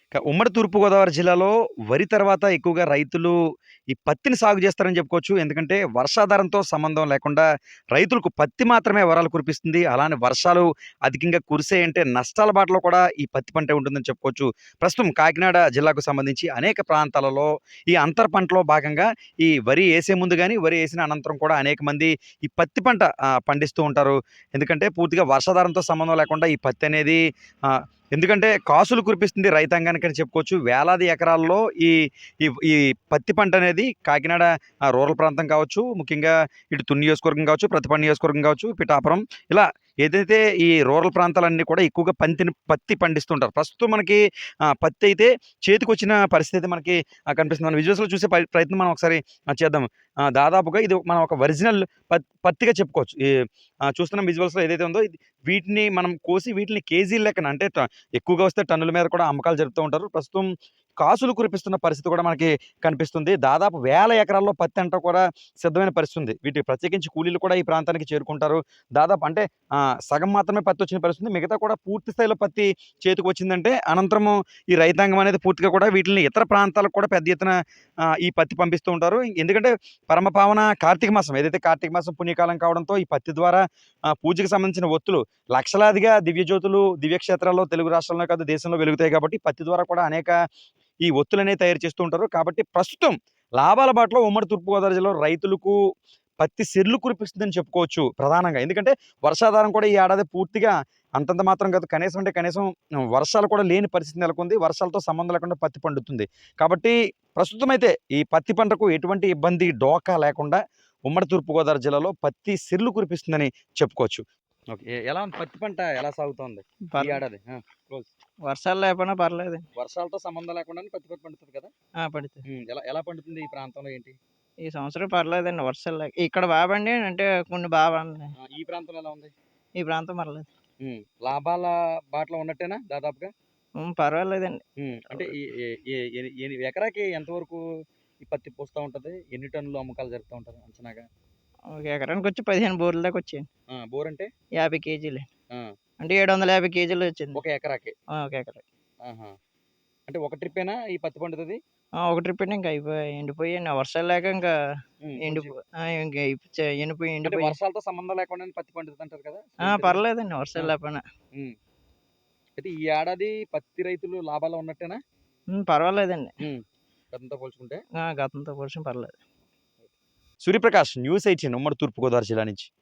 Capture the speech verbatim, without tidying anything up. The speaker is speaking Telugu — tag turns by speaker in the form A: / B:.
A: క ఉమ్మడి తూర్పుగోదావరి జిల్లాలో వరి తర్వాత ఎక్కువగా రైతులు ఈ పత్తిని సాగు చేస్తారని చెప్పుకోవచ్చు. ఎందుకంటే వర్షాధారంతో సంబంధం లేకుండా రైతులకు పత్తి మాత్రమే వరాలు కురిపిస్తుంది. అలానే వర్షాలు అధికంగా కురిసాయంటే నష్టాల బాటలో కూడా ఈ పత్తి పంటే ఉంటుందని చెప్పుకోవచ్చు. ప్రస్తుతం కాకినాడ జిల్లాకు సంబంధించి అనేక ప్రాంతాలలో ఈ అంతర పంటలో భాగంగా ఈ వరి ఏసే ముందు గాని, వరి ఏసిన అనంతరం కూడా అనేక మంది ఈ పత్తి పంట ఆహ్, పండిస్తూ ఉంటారు. ఎందుకంటే పూర్తిగా వర్షాధారంతో సంబంధం లేకుండా ఈ పత్తి అనేది ఆహ్, ఎందుకంటే కాసులు కురిపిస్తుంది రైతాంగానికని చెప్పుకోవచ్చు. వేలాది ఎకరాల్లో ఈ ఈ ఈ పత్తి పంటనేది కాకినాడ ఆహ్, రూరల్ ప్రాంతం కావచ్చు, ముఖ్యంగా ఇటు తుని నియోజకవర్గం కావచ్చు, ప్రతిపాడు నియోజకవర్గం కావచ్చు, పిఠాపురం ఇలా ఏదైతే ఈ రూరల్ ప్రాంతాలన్నీ కూడా ఎక్కువగా పంతిని పత్తి పండిస్తుంటారు. ప్రస్తుతం మనకి ఆహ్, పత్తి అయితే చేతికొచ్చిన పరిస్థితి అయితే మనకి ఆహ్, కనిపిస్తుంది. మనం విజువల్స్‌లో చూసే ప ప్రయత్నం మనం ఒకసారి ఆహ్, చేద్దాం. ఆహ్, దాదాపుగా ఇది మనం ఒక ఒరిజినల్ పత్ పత్తిగా చెప్పుకోవచ్చు. ఈ ఆహ్, చూస్తున్న విజువల్స్‌లో ఏదైతే ఉందో ఇది వీటిని మనం కోసి వీటిని కేజీల లెక్కన అంటే ట ఎక్కువగా వస్తే టన్నుల మీద కూడా అమ్మకాలు జరుపుతూ ఉంటారు. ప్రస్తుతం కాసులు కురిపిస్తున్న పరిస్థితి కూడా మనకి కనిపిస్తుంది. దాదాపు వేల ఎకరాల్లో పత్తి అంతా కూడా సిద్ధమైన పరిస్థితి ఉంది. వీటికి ప్రత్యేకించి కూలీలు కూడా ఈ ప్రాంతానికి చేరుకుంటారు. దాదాపు అంటే ఆహ్, సగం మాత్రమే పత్తి వచ్చిన పరిస్థితి ఉంది. మిగతా కూడా పూర్తి స్థాయిలో పత్తి చేతికొచ్చిందంటే అనంతరము ఈ రైతాంగం అనేది పూర్తిగా కూడా వీటిల్ని ఇతర ప్రాంతాలకు కూడా పెద్ద ఎత్తున ఆహ్, ఈ పత్తి పంపిస్తూ ఉంటారు. ఎందుకంటే పరమపావన కార్తీక మాసం ఏదైతే కార్తీక మాసం పుణ్యకాలం కావడంతో ఈ పత్తి ద్వారా ఆహ్, పూజకి సంబంధించిన ఒత్తులు లక్షలాదిగా దివ్యజ్యోతులు దివ్యక్షేత్రాల్లో తెలుగు రాష్ట్రాల్లోనే కాదు దేశంలో వెలుగుతాయి కాబట్టి పత్తి ద్వారా కూడా అనేక ఈ ఒత్తులనేవి తయారు చేస్తూ ఉంటారు. కాబట్టి ప్రస్తుతం లాభాల బాటలో ఉమ్మడి తూర్పుగోదావరి జిల్లాలో రైతులకు పత్తి సిర్లు కురిపిస్తుందని చెప్పుకోవచ్చు ప్రధానంగా. ఎందుకంటే వర్షాధారం కూడా ఈ ఏడాది పూర్తిగా అంతంత మాత్రం కాదు. కనీసం అంటే కనీసం వర్షాలు కూడా లేని పరిస్థితి నెలకొంది. వర్షాలతో సంబంధం లేకుండా పత్తి పండుతుంది. కాబట్టి ప్రస్తుతమైతే ఈ పత్తి పంటకు ఎటువంటి ఇబ్బంది, డోకా లేకుండా ఉమ్మడి తూర్పుగోదావరి జిల్లాలో పత్తి సిర్లు కురిపిస్తుందని చెప్పుకోవచ్చు. ఓకే. ఎ ఎలా ఉంది పత్తి పంట ఎలా సాగుతోంది ఈ
B: పర్
A: ఏడాది? ఆ! క్లోజ్.
B: వర్షాలు లేకపోయినా పర్లేదండి.
A: వర్షాలతో సంబంధం లేకుండానే పత్తి పంట పండుతది కదా!
B: ఆ! పడితే.
A: హ్మ్. ఎలా ఎలా పండుతుంది ఈ ప్రాంతంలో ఏంటి?
B: ఈ సంవత్సరం పర్లేదండి వర్షాలు లేక. ఇక్కడ బా పండాయి అంటే కొన్ని బా పండినాయి.
A: ఆ! ఈ ప్రాంతంలో ఎలా ఉంది?
B: ఈ ప్రాంతం పర్లేదు.
A: హ్మ్. లాభాల బాటలో ఉన్నట్టేనా దాదాపుగా?
B: హ్మ్. పర్వాలేదండి.
A: హ్మ్. అంటే ఈ ఎ ఎ ఎని ఎని ఎకరాకి ఎంత వరకు ఈ పత్తి పూస్తా ఉంటది? ఎన్ని టన్నులు అమ్మకాలు జరుపుతా ఉంటారు అంచనాగా?
B: ఒక ఎకరానికొచ్చి పదిహేను బోర్ల దాకా వచ్చాయండి.
A: ఆ! బోర్ అంటే?
B: యాభై కేజీలు.
A: ఆ!
B: అంటే ఏడు వందల యాభై కేజీలు వచ్చింది.
A: ఒక ఎకరాకి.
B: ఆ! ఒక ఎకరాకి.
A: ఆహా! అంటే ఒక ట్రిప్పేనా ఈ పత్తి పండుతది?
B: ఆ! ఒక ట్రిప్ అండి ఇంక అయిపోయాయి. ఎండిపోయాయండి. వర్షాలు లేక ఇంకా
A: హ్మ్. కొంచెం
B: ఎండిపో ఆ! ఇంక చ ఎండిపోయి
A: అంటే
B: ఎండిపోయి
A: వర్షాలతో సంబంధం లేకుండానే పత్తి పండుతదంటారు కదా!
B: ఆ!
A: ఏంటిది?
B: పర్లేదండి
A: ఆ!
B: వర్షాలు లేకపోయినా.
A: హ్మ్. అయితే ఈ ఏడాది పత్తి రైతులు లాభాల్లో ఉన్నట్టేనా?
B: హ్మ్. పర్వాలేదండి.
A: హ్మ్. గతంతో పోల్చుకుంటే?
B: ఆ! గతంతో పోల్చిన పర్లేదు.
A: సూర్యప్రకాష్ న్యూస్ ఎయిటీన్ ఉమ్మడి తూర్పుగోదావరి జిల్లా నుంచి.